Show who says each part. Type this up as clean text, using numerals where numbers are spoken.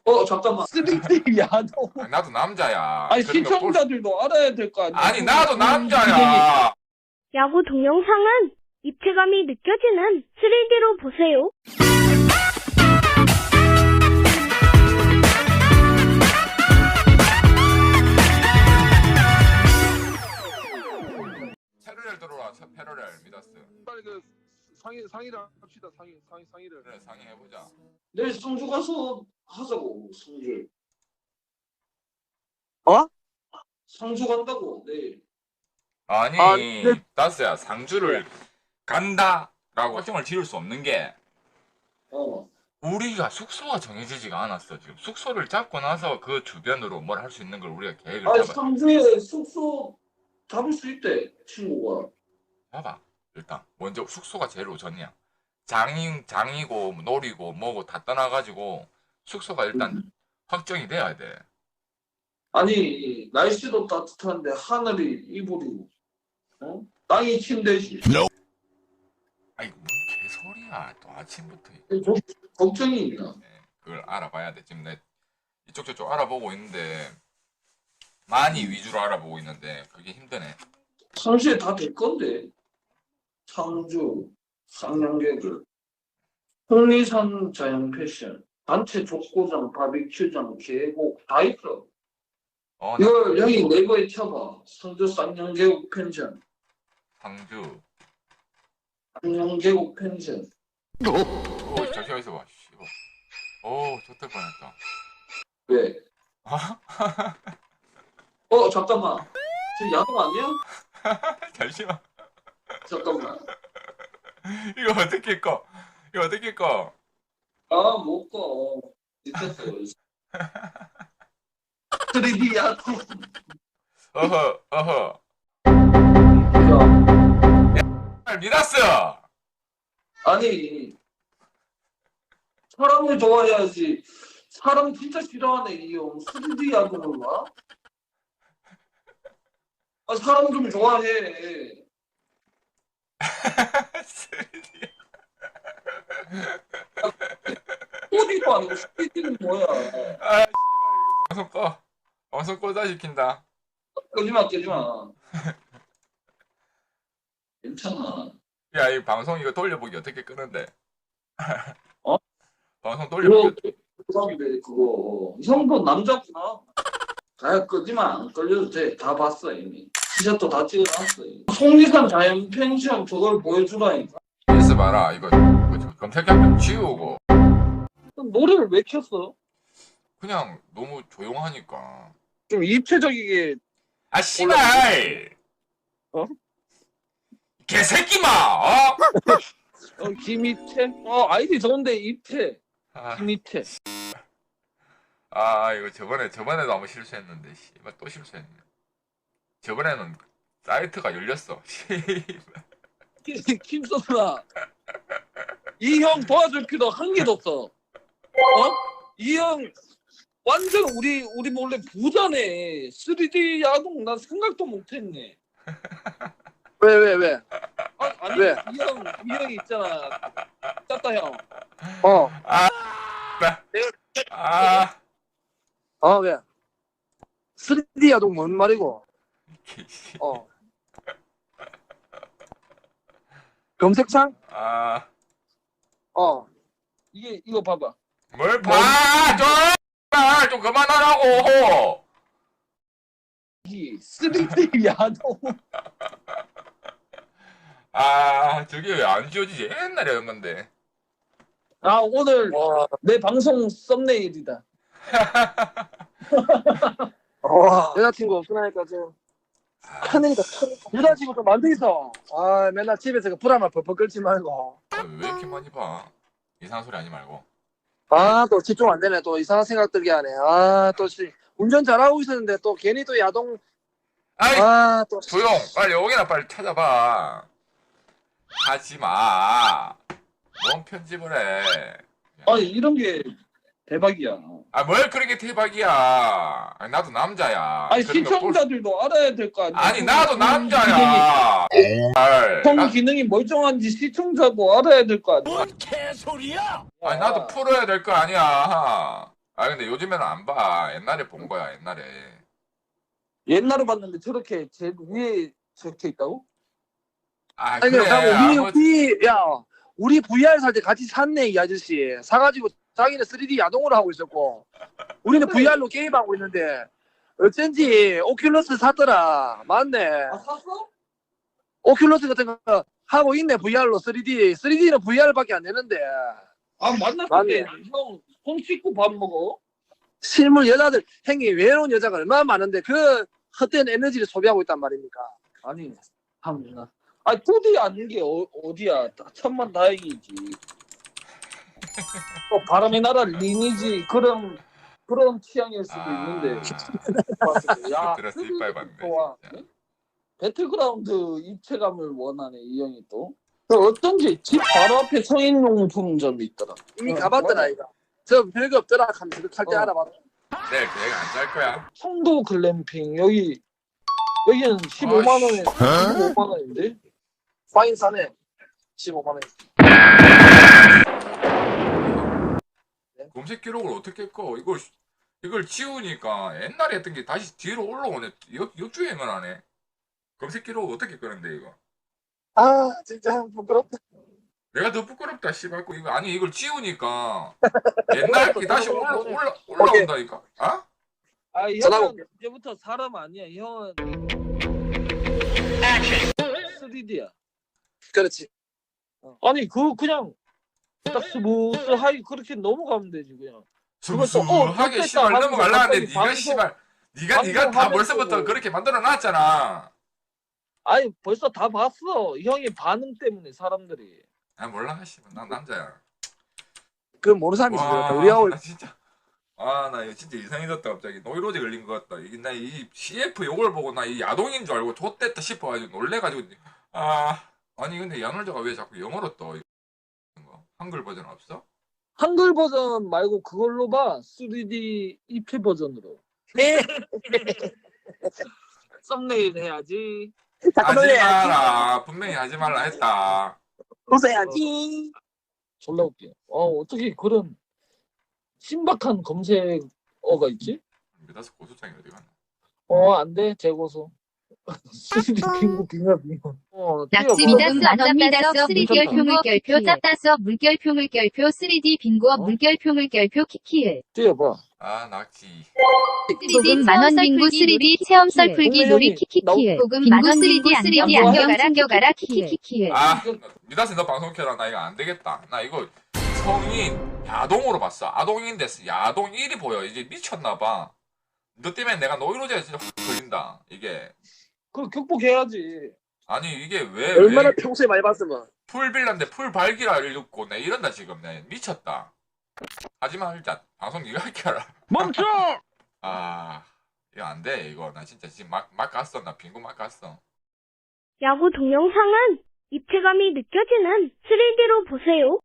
Speaker 1: 잠깐만.
Speaker 2: 3D 야동.
Speaker 3: 아니, 나도 남자야.
Speaker 2: 아니
Speaker 3: 그런 거 볼-
Speaker 2: 시청자들도 알아야 될 거 아니야.
Speaker 3: 아니 나도 남자야.
Speaker 4: 야구 동영상은 입체감이 느껴지는 3D로 보세요.
Speaker 3: 패러렐 들어와. 패러렐 미다스.
Speaker 5: 빨리 그 상의를 합시다. 상의를.
Speaker 3: 그래 상의해보자.
Speaker 1: 내일 성주 가서 하자고, 성주.
Speaker 2: 어?
Speaker 1: 성주 간다고, 내일.
Speaker 3: 아니
Speaker 2: 네.
Speaker 3: 다스야 상주를 간다라고 확정을 지을 수 없는 게
Speaker 1: 어.
Speaker 3: 우리가 숙소가 정해지지가 않았어. 지금 숙소를 잡고 나서 그 주변으로 뭘 할 수 있는 걸 우리가 계획을
Speaker 1: 아니,
Speaker 3: 잡아.
Speaker 1: 성주에 숙소 잡을 수 있대, 친구가.
Speaker 3: 봐봐. 일단 먼저 숙소가 제일 우선이야. 장이고 놀이고 뭐고 다 떠나가지고 숙소가 일단 확정이 돼야 돼.
Speaker 1: 아니, 날씨도 따뜻한데 하늘이 이불이고, 어? 땅이 침대지.
Speaker 3: 아이 뭔 개소리야. 또 아침부터
Speaker 1: 걱정이 있나?
Speaker 3: 그걸 알아봐야 돼. 지금 내 이쪽 저쪽 알아보고 있는데 많이 위주로 알아보고 있는데 그게 힘드네.
Speaker 1: 상시에 다 될 건데. 상주, 상영객을, 홍리산 자연 패션, 단체 족구장, 바비큐장, 계곡 다 있어.
Speaker 3: 나
Speaker 1: 이걸 형이 네이버에 쳐봐. 상주 쌍용계곡 펜션,
Speaker 3: 상주.
Speaker 1: 쌍용계곡 펜션.
Speaker 3: 오, 잠시만 있어봐. 씨발. 오, 좋될 뻔했다.
Speaker 1: 왜? 잠깐만. 저 야동 아니야?
Speaker 3: 잠시만.
Speaker 1: 잠깐만.
Speaker 3: 이거 어떻게 꺼? 이거 어떻게 꺼?
Speaker 1: 못 가. 미쳤어. 3D 야동.
Speaker 3: 어허.
Speaker 1: 야,
Speaker 3: 미다스!
Speaker 1: 아니, 사람을 좋아해야지. 사람 진짜 싫어하네, 이 형. 3D 야동을 봐? 사람 좀 좋아해. 어디도 아니고 3D는 뭐야?
Speaker 3: 아, 씨발, 이거 방송 꺼. 방송 꺼다 시킨다.
Speaker 1: 끄지마. 괜찮아.
Speaker 3: 야, 이 방송 이거 돌려보기 어떻게 끄는데?
Speaker 1: 어?
Speaker 3: 방송 돌려보기.
Speaker 1: 그거. 형도 남자구나. 끄지마. 안 끌려도 돼. 다 봤어, 이미. 티셔츠 다 찍어놨어. 속리산 자연 펜션 저걸 보여주라니까.
Speaker 3: 있어 봐라. 이거 검색약 좀 지우고.
Speaker 2: 노래를 왜 켰어?
Speaker 3: 그냥 너무 조용하니까.
Speaker 2: 좀 입체적이게.
Speaker 3: 아, 씨발!
Speaker 2: 어?
Speaker 3: 개새끼마! 어?
Speaker 2: 김입태? 아이디 좋은데 입태.
Speaker 3: 아,
Speaker 2: 김입태.
Speaker 3: 이거 저번에도 한번 실수했는데, 씨발, 또 실수했네. 저번에는 사이트가 열렸어.
Speaker 2: 김선아. 이 형 도와줄 필요 한 개도 없어. 이 형 완전 우리 몰래 부자네. 3D 야동 난 생각도 못했네.
Speaker 6: 왜?
Speaker 2: 아니
Speaker 6: 왜?
Speaker 2: 이 형이 있잖아. 짭다 형.
Speaker 6: 왜? 3D 야동 뭔 말이고? 검색창?
Speaker 2: 이거 봐봐.
Speaker 3: 뭘 봐! 좀 그만하라고!
Speaker 2: 이 3D 야동.
Speaker 3: 저게 왜 안 지워지지? 옛날에 한 건데.
Speaker 2: 오늘 내 방송 썸네일이다.
Speaker 6: 여자친구 없으니까 지금 하늘이가 여자친구 좀 만들 있어. 맨날 집에서 그 불화만 펄펄 끓지 말고.
Speaker 3: 왜 이렇게 많이 봐? 이상한 소리 하지 말고.
Speaker 6: 또 집중 안 되네. 또 이상한 생각 들게 하네. 또 운전 잘하고 있었는데 또 괜히 또 야동. 또
Speaker 3: 조용! 빨리 여기나 빨리 찾아봐. 하지 마. 뭔 편집을 해.
Speaker 1: 이런 게 대박이야.
Speaker 3: 뭘 그렇게 대박이야. 나도 남자야.
Speaker 2: 아니
Speaker 3: 그런 거 볼-
Speaker 2: 시청자들도 알아야 될 거 아니야.
Speaker 3: 아니, 나도 남자야.
Speaker 2: 성 기능이 멀쩡한지 시청자도 알아야 될 거 아니야.
Speaker 3: 아니, 나도 풀어야 될 거 아니야. 아 근데 요즘에는 안 봐. 옛날에 본 거야 옛날에.
Speaker 2: 옛날에 봤는데 저렇게 제일 위에 적혀 있다고?
Speaker 3: 아
Speaker 6: 아니,
Speaker 3: 그래.
Speaker 6: 우리 VR 살 때 같이 샀네, 이 아저씨. 사가지고 자기는 3D 야동으로 하고 있었고, 우리는
Speaker 2: 그래.
Speaker 6: VR로 게임하고 있는데, 어쩐지 오큘러스 샀더라. 맞네.
Speaker 2: 아 샀어?
Speaker 6: 오큘러스 같은 거 하고 있네, VR로 3D. 3D는 VR밖에 안 되는데.
Speaker 2: 아 만났을
Speaker 6: 맞네.
Speaker 2: 때 형 손 씻고 밥 먹어?
Speaker 6: 실물 여자들, 형님, 외로운 여자가 얼마나 많은데, 그 헛된 에너지를 소비하고 있단 말입니까?
Speaker 2: 아니 참나. 아 2D 아닌 게 어디야? 천만 다행이지. 바람의 나라 리니지 그런 취향일 수도 있는데. 야,
Speaker 3: 들었어 이빨 봤네.
Speaker 2: 좋아.
Speaker 3: 진짜.
Speaker 2: 배틀그라운드 입체감을 원하네 이 형이 또. 그 어쩐지 집 바로 앞에 성인용품점이 있더라.
Speaker 6: 이미 가봤더라, 이거. 저 별거 없더라 하면서 그할 때
Speaker 2: 어.
Speaker 6: 알아봤다.
Speaker 3: 내일 계획 안 짤 거야.
Speaker 2: 성도 글램핑 여기는 15만 원에 15만 원인데.
Speaker 6: 파인 사네. 15만 원.
Speaker 3: 검색 기록을 어떻게 꺼? 이걸 지우니까 옛날에 했던 게 다시 뒤로 올라오네. 역주행을 하네. 검색 기록 어떻게 끄는데 이거?
Speaker 6: 아, 진짜 부끄럽다.
Speaker 3: 내가 더 부끄럽다 씨발. 이거 아니 이걸 지우니까 옛날 게 다시 올라온다니까. 아?
Speaker 2: 아
Speaker 6: 전화가
Speaker 2: 형은 이제부터 사람 아니야. 형은 3D야.
Speaker 6: 그렇지.
Speaker 2: 아니 그냥 딱 스무스하게 그렇게 넘어가면 되지 그냥. 그걸 또,
Speaker 3: 스무스하게
Speaker 2: 좋겠다
Speaker 3: 씨발
Speaker 2: 하면서
Speaker 3: 넘어갈라는데
Speaker 2: 갑자기
Speaker 3: 네가 씨발 네가 다
Speaker 2: 방송하면서
Speaker 3: 벌써부터
Speaker 2: 뭐.
Speaker 3: 그렇게 만들어 놨잖아.
Speaker 2: 아니 벌써 다 봤어. 형의 반응 때문에 사람들이.
Speaker 3: 아 몰라 씨발 난 남자야.
Speaker 6: 그 모르는 사람이 있어.
Speaker 3: 와,
Speaker 6: 우리하고
Speaker 3: 나 진짜. 아, 나 이거 진짜 이상해졌다, 갑자기. 노이로제 걸린 것 같다. 이게, 나 이 CF 요걸 보고 나 이 야동인 줄 알고 좆됐다 싶어가지고 놀래가지고. 아니, 근데 야놀자가 왜 자꾸 영어로 떠? 이거? 한글 버전 없어?
Speaker 2: 한글 버전 말고 그걸로 봐. 3D 입체 버전으로. 썸네일 해야지.
Speaker 3: 하지 마라. 분명히 하지 말라 했다.
Speaker 6: 웃어야지.
Speaker 2: 졸라 웃겨. 어떻게 그런 신박한 검색어가 있지?
Speaker 3: 미다스 고소장이 어디 갔나?
Speaker 2: 안 돼. 재고소. 3D 빙고 빙하 빙고.
Speaker 7: 낙지
Speaker 2: 띄워봐.
Speaker 7: 미다스 안 잡미다스 3D
Speaker 2: 괜찮다.
Speaker 7: 물결표 짭다서 물결표 3D 빙고 물결표 키키을
Speaker 2: 띄워봐.
Speaker 3: 아, 낙지.
Speaker 7: 3D 만원 빙고 3D 체험 썰풀기 놀이 키키키을 빙고 3D 안경 챙겨가라 키키키을
Speaker 3: 아, 미다스 너 방송 켜라. 나 이거 안 되겠다. 나 이거 성인 야동으로 봤어. 아동인데 야동 1이 보여. 이제 미쳤나봐. 너 때문에 내가 노이로제에 진짜 확 걸린다. 이게.
Speaker 2: 그걸 극복해야지.
Speaker 3: 아니 이게 왜
Speaker 6: 얼마나 평소에 많이 봤으면.
Speaker 3: 풀빌라인데 풀발기라 읽고 내 이런다 지금 내 미쳤다. 하지만 일단 방송 네가 할게 알아.
Speaker 2: 멈춰!
Speaker 3: 아 이거 안 돼 이거 나 진짜 지금 막 갔어. 나 빙고 막 갔어.
Speaker 4: 야구 동영상은 입체감이 느껴지는 3D로 보세요.